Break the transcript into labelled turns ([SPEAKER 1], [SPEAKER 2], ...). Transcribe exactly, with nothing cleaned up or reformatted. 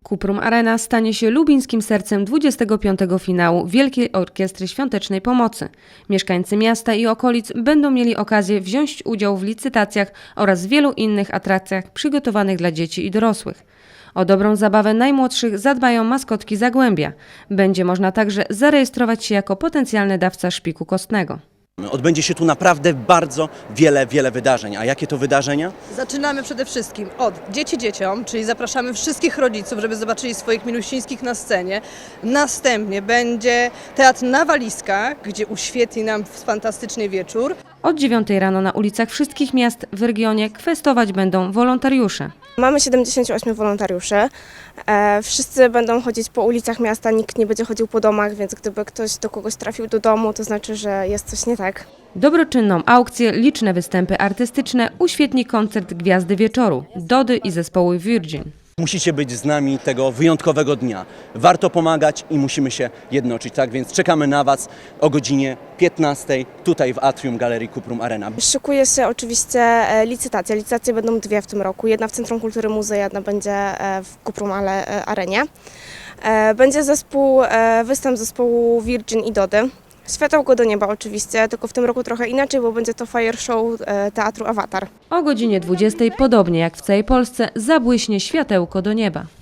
[SPEAKER 1] Cuprum Arena stanie się lubińskim sercem dwudziestego piątego finału Wielkiej Orkiestry Świątecznej Pomocy. Mieszkańcy miasta i okolic będą mieli okazję wziąć udział w licytacjach oraz wielu innych atrakcjach przygotowanych dla dzieci i dorosłych. O dobrą zabawę najmłodszych zadbają maskotki Zagłębia. Będzie można także zarejestrować się jako potencjalny dawca szpiku kostnego.
[SPEAKER 2] Odbędzie się tu naprawdę bardzo wiele, wiele wydarzeń. A jakie to wydarzenia?
[SPEAKER 3] Zaczynamy przede wszystkim od Dzieci dzieciom, czyli zapraszamy wszystkich rodziców, żeby zobaczyli swoich milusińskich na scenie. Następnie będzie teatr na walizkach, gdzie uświetli nam fantastyczny wieczór.
[SPEAKER 1] Od dziewiątej rano na ulicach wszystkich miast w regionie kwestować będą wolontariusze.
[SPEAKER 4] Mamy siedemdziesięciu ośmiu wolontariuszy. E, wszyscy będą chodzić po ulicach miasta, nikt nie będzie chodził po domach, więc gdyby ktoś do kogoś trafił do domu, to znaczy, że jest coś nie tak.
[SPEAKER 1] Dobroczynną aukcję, liczne występy artystyczne uświetni koncert Gwiazdy Wieczoru, Dody i zespołu Virgin.
[SPEAKER 2] Musicie być z nami tego wyjątkowego dnia. Warto pomagać i musimy się jednoczyć, tak? Więc czekamy na Was o godzinie piętnastej tutaj w atrium Galerii Cuprum Arena.
[SPEAKER 4] Szykuje się oczywiście e, licytacja. Licytacje będą dwie w tym roku. Jedna w Centrum Kultury Muzea, jedna będzie e, w Cuprum Ale, e, Arenie. E, będzie zespół, e, występ zespołu Virgin i Dody. Światełko do nieba oczywiście, tylko w tym roku trochę inaczej, bo będzie to fire show e, teatru Awatar.
[SPEAKER 1] O godzinie dwudziestej, podobnie jak w całej Polsce, zabłyśnie światełko do nieba.